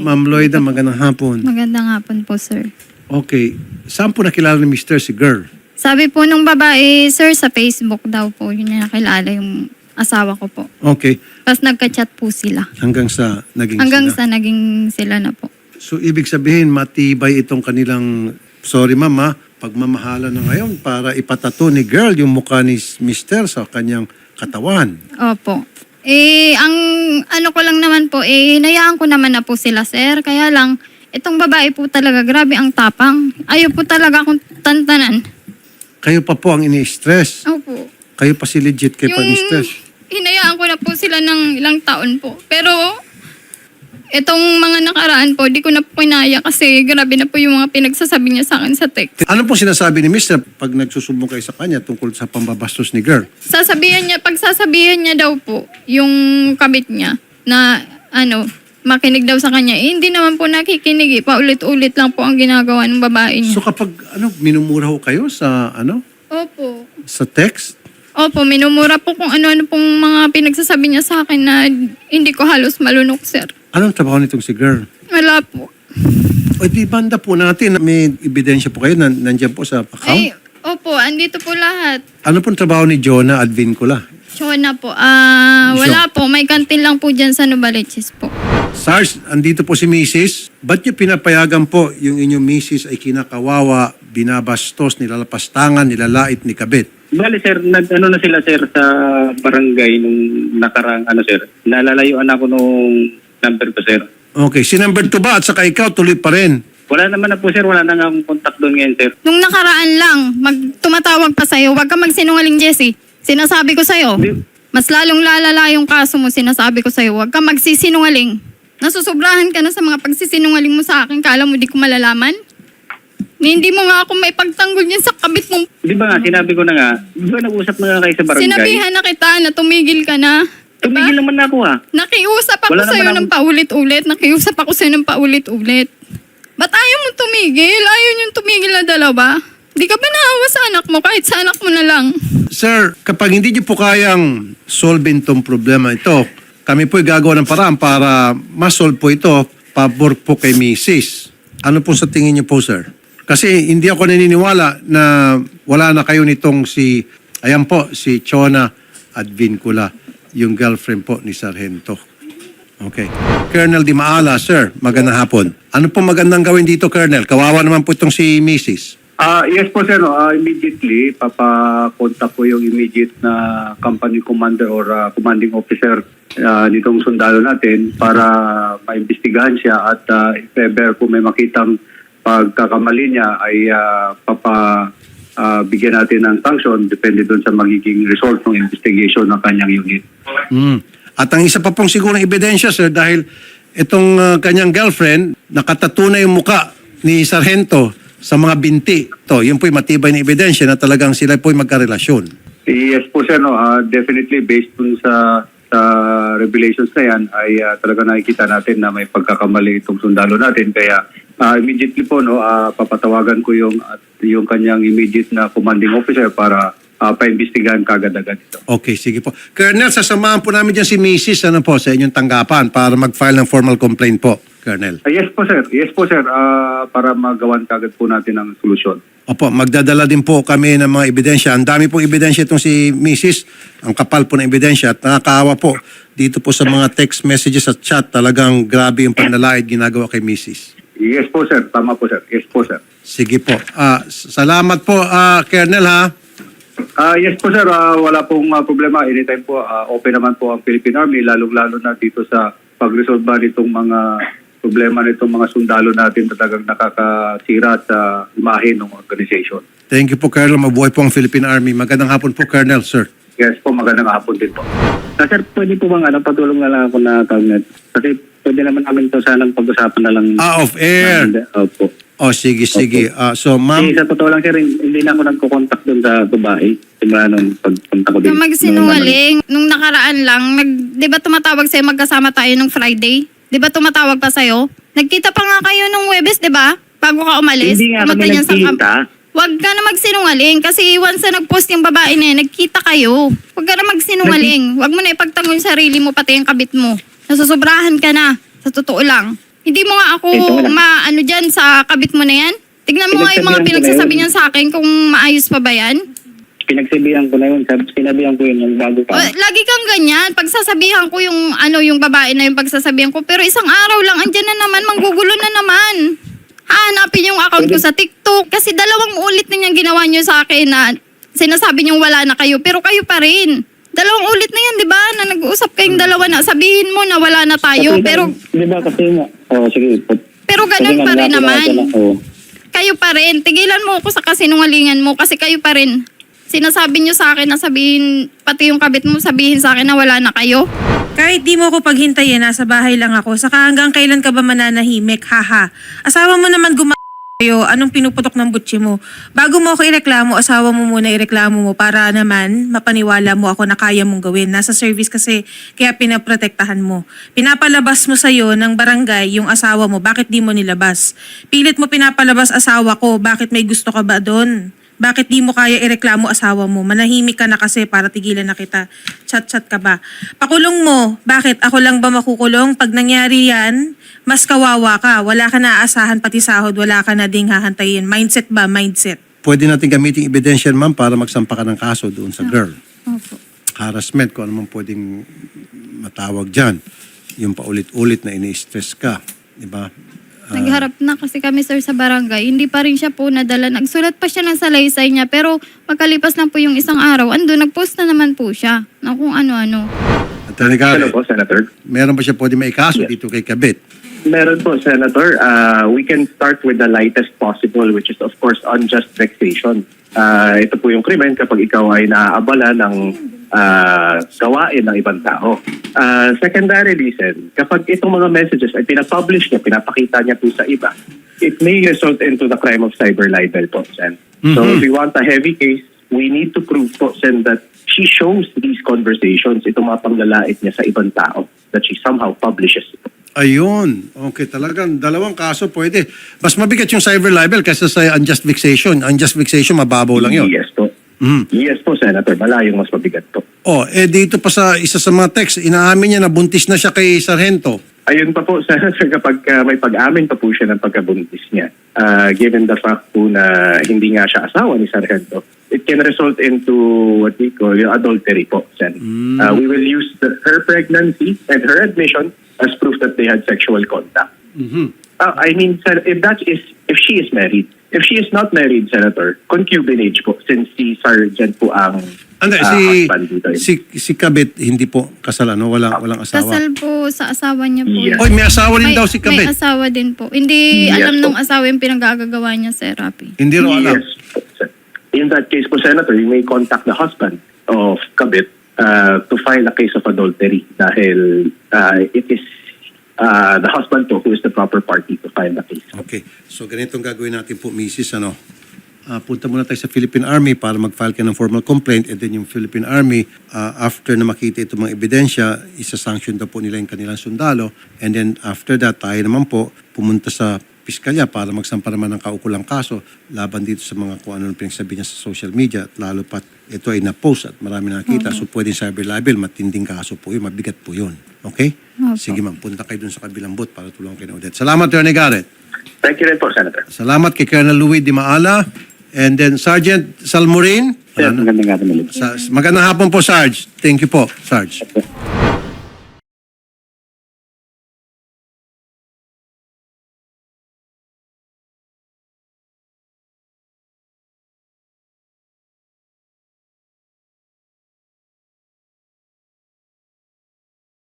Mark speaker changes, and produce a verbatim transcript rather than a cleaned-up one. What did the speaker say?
Speaker 1: Ma'am Lloyda, magandang hapon.
Speaker 2: Magandang hapon po, sir.
Speaker 1: Okay. Saan po nakilala ni mister si girl?
Speaker 2: Sabi po nung babae, sir, sa Facebook daw po, yun yung nakilala yung asawa ko po.
Speaker 1: Okay.
Speaker 2: Tapos nagka-chat po sila.
Speaker 1: Hanggang sa naging
Speaker 2: Hanggang
Speaker 1: sila.
Speaker 2: sa naging sila na po.
Speaker 1: So, ibig sabihin, matibay itong kanilang, sorry mama, pagmamahala na ngayon para ipatato ni girl yung mukha ni mister sa kanyang katawan.
Speaker 2: Opo. Eh, ang ano ko lang naman po, eh, hinayaan ko naman na po sila, sir. Kaya lang, itong babae po talaga, grabe ang tapang. Ayaw po talaga akong tantanan.
Speaker 1: Kayo pa po ang ini-stress.
Speaker 2: Opo.
Speaker 1: Kayo pa si legit kayo pa ni-stress.
Speaker 2: Hinayaan ko na po sila ng ilang taon po. Pero, itong mga nakaraan po, di ko na po kinaya kasi grabe na po yung mga pinagsasabi niya sa akin sa text.
Speaker 1: Ano po sinasabi ni mister pag nagsusumbong kayo sa kanya tungkol sa pambabastos ni girl?
Speaker 2: Sasabihan niya, pag sasabihan niya daw po, yung kabit niya, na ano, makinig daw sa kanya, eh, hindi naman po nakikinig eh. Paulit-ulit lang po ang ginagawa ng babae niya.
Speaker 1: So kapag ano minumura ho kayo sa ano
Speaker 2: Opo.
Speaker 1: sa text?
Speaker 2: Opo, minumura po kung ano-ano pong mga pinagsasabi niya sa akin na hindi ko halos malunok, sir.
Speaker 1: Anong trabaho nitong si girl?
Speaker 2: Wala po.
Speaker 1: O di banda po natin, may ebidensya po kayo na nandiyan po sa account?
Speaker 2: Ay, opo, andito po lahat.
Speaker 1: Ano pong trabaho ni Jonah Advincula?
Speaker 2: Chona po. Ah,
Speaker 1: Sure.
Speaker 2: wala po. May kantin lang po dyan sa Novaliches po.
Speaker 1: SARS, andito po si missus Ba't niyo pinapayagan po yung inyong missus ay kinakawawa, binabastos, nilalapastangan, nilalait, ni kabit?
Speaker 3: Bale sir, nag ano na sila sir sa barangay nung nakarang ano sir. Nalalayuan ako nung number ko sir.
Speaker 1: Okay, si number two ba at saka ikaw tuloy pa rin?
Speaker 3: Wala naman na po sir, wala na nga akong contact doon ngayon sir.
Speaker 2: Nung nakaraan lang, mag tumatawag pa sa'yo, huwag ka magsinungaling, Jessie. Sinasabi ko sa'yo, mas lalong lalala yung kaso mo, sinasabi ko sa'yo, huwag ka magsisinungaling. Nasusobrahan ka na sa mga pagsisinungaling mo sa akin, kala mo di ko malalaman? Ni hindi mo nga ako may pagtanggol niyan sa kabit mong...
Speaker 3: Di ba nga, sinabi ko na nga, di ba nag-usap na nga kayo sa barangay?
Speaker 2: Sinabihan na kita na tumigil ka na. Diba?
Speaker 3: Tumigil naman na ako ha.
Speaker 2: Nakiusap ako
Speaker 3: Wala
Speaker 2: sa'yo
Speaker 3: naman
Speaker 2: ng paulit-ulit. Nakiusap ako sa'yo ng paulit-ulit. Ba't ayaw mo tumigil? Ayaw niyong tumigil na dalawa? Di ka ba naawa sa anak mo? Kahit sa anak mo na lang.
Speaker 1: Sir, kapag hindi niyo po kayang solve itong problema ito, kami po'y gagawa ng paraan para ma-solve po ito, pabor po kay missus Ano po sa tingin niyo po, sir? Kasi hindi ako naniniwala na wala na kayo nitong si, ayan po, si Chona Advincula, yung girlfriend po ni Sargento. Okay. Colonel Di Maala, sir, magandang hapon. Ano po magandang gawin dito, Colonel? Kawawa naman po itong si missus
Speaker 4: Ah, yes po sir, no. Ah, immediately papakontak ko yung immediate na company commander or ah, commanding officer ah, nitong sundalo natin para maimbestigahan siya at ah, if ever po may makitang pagkakamali niya ay ah, papa ah, bigyan natin ng sanction depende doon sa magiging result ng investigation ng kanyang unit.
Speaker 1: Mm. At ang isa pa pong sigurong ebidensya, sir, dahil itong uh, kanyang girlfriend, nakatatunay yung muka ni Sargento sa mga binti. To, yun po'y matibay na ebidensya na talagang sila po'y magkarelasyon.
Speaker 4: Yes po sir, no. Ah, definitely based dun sa sa revelations na yan ay ah, talaga nakikita natin na may pagkakamali itong sundalo natin. Kaya ah, immediately po no, ah, papatawagan ko yung at yung kanyang immediate na commanding officer para uh, paimbestigahan kagad-agad ito.
Speaker 1: Okay, sige po. Colonel, sasamahan po namin dyan si missus ano po, sa inyong tanggapan para mag-file ng formal complaint po, Colonel.
Speaker 4: Ah, yes po sir, yes po sir, ah, para magawan kagad po natin ang solusyon.
Speaker 1: Opo, magdadala din po kami ng mga ebidensya. Ang dami pong ebidensya itong si missus Ang kapal po ng ebidensya at nakakaawa po dito po sa mga text messages at chat. Talagang grabe yung panlalait ginagawa kay missus
Speaker 4: Yes po sir, tama po sir, yes po sir.
Speaker 1: Sige po. Ah, salamat po, ah, Colonel, ha?
Speaker 4: Ah, yes po sir, Ah, wala pong ah, problema. Anytime po, ah, open naman po ang Philippine Army, lalong-lalo na dito sa pag-resolve nitong mga problema nitong mga sundalo natin na talagang nakakasira sa imahe ng organization.
Speaker 1: Thank you po, Colonel. Mabuhay po ang Philippine Army. Magandang hapon po, Colonel, sir.
Speaker 4: Yes po, magandang hapon din po.
Speaker 3: Ah, sir, pwede po bang ano, patulong na lang ako na cabinet? Kasi pwede naman namin ito sanang pag-usapan na lang.
Speaker 1: Ah, off air.
Speaker 3: Opo.
Speaker 1: Oh, sige, sige. Ah, so, ma'am,
Speaker 3: Kasi sa totoo lang sir, hindi na ako nagko-contact doon sa babae. Simula nung pagpunta ko din.
Speaker 2: Nung magsinungaling, nung nakaraan lang, nag, di ba tumatawag sa'yo magkasama tayo nung Friday? Di ba tumatawag pa sa'yo? Nagkita pa nga kayo nung Webes, di ba? Bago ka umalis.
Speaker 3: Hindi nga
Speaker 2: Pumunta
Speaker 3: kami
Speaker 2: dyan sa camp.
Speaker 3: nagkita.
Speaker 2: Huwag ka na magsinungaling kasi once na nag-post yung babae na yan, nagkita kayo. Huwag ka na magsinungaling. Huwag mo na ipagtanggol yung sarili mo pati yung kabit mo. Nasusobrahan ka na. Sa totoo lang. Hindi mo nga ako
Speaker 3: Ito na.
Speaker 2: maano dyan sa kabit mo na yan? Tignan mo nga yung mga
Speaker 3: Pinagsabihan ko na
Speaker 2: pinagsasabi
Speaker 3: yun.
Speaker 2: niyan sa akin kung maayos pa ba yan.
Speaker 3: Pinagsabihan ko na yun. Sab- Sinabihan ko yun yung bago
Speaker 2: O,
Speaker 3: pa.
Speaker 2: lagi kang ganyan. Pagsasabihan ko yung ano yung babae na yung pagsasabihan ko. Pero isang araw lang, andyan na naman, manggugulo na naman. Hahanapin yung account ko sa TikTok. Kasi dalawang ulit na niyang ginawa niyo sa akin na sinasabi niyong wala na kayo. Pero kayo pa rin. Dalawang ulit na yan, di ba? Na nag-uusap kayong dalawa na sabihin mo na wala na tayo.
Speaker 3: Kasi,
Speaker 2: Pero
Speaker 3: Di ba kasi nga. Oo, sige.
Speaker 2: pero
Speaker 3: Kasi
Speaker 2: ganun
Speaker 3: nga,
Speaker 2: pa rin
Speaker 3: nilapit
Speaker 2: naman.
Speaker 3: ako na- oo.
Speaker 2: Kayo pa rin. Tigilan mo ako sa kasinungalingan mo kasi kayo pa rin. Sinasabi niyo sa akin na sabihin, pati yung kabit mo sabihin sa akin na wala na kayo.
Speaker 5: Kahit di mo ako paghintayin, nasa bahay lang ako. Saka hanggang kailan ka ba mananahimik? Haha. Asawa mo naman guma kayo, anong pinuputok ng butsi mo? Bago mo ako ireklamo, asawa mo muna ireklamo mo para naman mapaniwala mo ako na kaya mong gawin. Nasa service kasi, kaya pinaprotektahan mo. Pinapalabas mo sa'yo ng barangay yung asawa mo, bakit di mo nilabas? Pilit mo pinapalabas asawa ko, bakit may gusto ka ba doon? Bakit di mo kaya ireklamo asawa mo? Manahimik ka na kasi para tigilan na kita. Chat-chat ka ba? Pakulong mo. Bakit? Ako lang ba makukulong? Pag nangyari yan, mas kawawa ka. Wala ka na aasahan pati sahod. Wala ka na ding hahantayin. Mindset ba? Mindset.
Speaker 1: Pwede natin gamitin ebidensya, ma'am, para magsampa ka ng kaso doon sa girl.
Speaker 2: Opo.
Speaker 1: Harassment, kung ano man pwedeng matawag dyan. Yung paulit-ulit na ini-stress ka. Di ba?
Speaker 2: Nagharap na kasi kami sir sa barangay. Hindi pa rin siya po nadala. Nagsulat pa siya ng salaysay niya. Pero magkalipas lang po yung isang araw, ando, nagpost na naman po siya. Na kung ano-ano.
Speaker 1: Attorney
Speaker 3: Hello
Speaker 1: Garrett,
Speaker 3: po, Senator.
Speaker 1: meron ba siya pwede may kaso dito kay Kabit?
Speaker 6: Meron po, Senator. Uh, we can start with the lightest possible, which is of course unjust vexation. Uh, ito po yung krimen kapag ikaw ay naaabala ng uh, gawain ng ibang tao. Uh, secondarily, Sen, kapag itong mga messages ay pinapublish niya, pinapakita niya po sa iba, it may result into the crime of cyber libel po, Sen. So if we want a heavy case, we need to prove po, Sen, that she shows these conversations, itong mga panglalait niya sa ibang tao, that she somehow publishes it.
Speaker 1: Ayun. Okay, talagang dalawang kaso pwede. Mas mabigat yung cyber libel kaysa sa unjust vexation. Unjust vexation, mababaw lang yun.
Speaker 6: Yes po.
Speaker 1: Mhm.
Speaker 6: Yes po, Senator. Malayong mas mabigat po.
Speaker 1: Oh, eh dito pa sa isa sa mga text, inaamin niya na buntis na siya kay Sargento.
Speaker 6: Ayun pa po, Senator, kapag uh, may pag-amin pa po siya ng pagkabuntis niya, uh, given the fact po na hindi nga siya asawa ni Sargento, it can result into what we call yung adultery po, Sen. Uh, we will use the, her pregnancy and her admission as proof that they had sexual contact.
Speaker 1: Mhm.
Speaker 6: Uh, I mean, sir, if that is, if she is married, if she is not married, Senator, concubinage po, since si Sergeant po ang
Speaker 1: Anda,
Speaker 6: uh,
Speaker 1: si,
Speaker 6: husband dito.
Speaker 1: si, si Kabit, hindi po kasal, ano? Walang, walang asawa.
Speaker 2: Kasal po sa asawa niya po.
Speaker 6: Yes.
Speaker 1: Oy, may asawa rin daw si
Speaker 2: May
Speaker 1: Kabit.
Speaker 2: asawa din po. Hindi
Speaker 6: Yes
Speaker 2: alam
Speaker 6: po.
Speaker 2: ng asawa yung pinag-aagagawa niya sa therapy.
Speaker 1: Hindi rin alam.
Speaker 6: Yes. po, sir. In that case po, Senator, you may contact the husband of Kabit uh, to file a case of adultery dahil uh, it is uh, the husband po who is the proper party to file the case.
Speaker 1: Okay. So ganitong gagawin natin po, Missus Ano, ah, punta muna tayo sa Philippine Army para mag-file ka ng formal complaint, and then yung Philippine Army, ah, after na makita itong mga ebidensya, isa-sanction daw po nila yung kanilang sundalo, and then after that, tayo naman po pumunta sa piskalya para magsampa naman ng kaukulang kaso laban dito sa mga kung ano yung pinagsabi niya sa social media, at lalo pat ito ay na-post at marami nakita. So pwedeng cyber libel, matinding kaso po yun, mabigat po yun. Okay?
Speaker 2: Opo.
Speaker 1: Sige ma'am, punta kayo dun sa kabilang booth para tulungan kayo na Odette. Salamat, Attorney Garrett.
Speaker 6: Thank you rin po, Senator.
Speaker 1: Salamat kay Colonel Louis Di Maala. And then Sergeant Salmorin.
Speaker 3: Sir, magandang gabi ulit.
Speaker 1: Sa, magandang hapon po, Sarge. Thank you po, Sarge.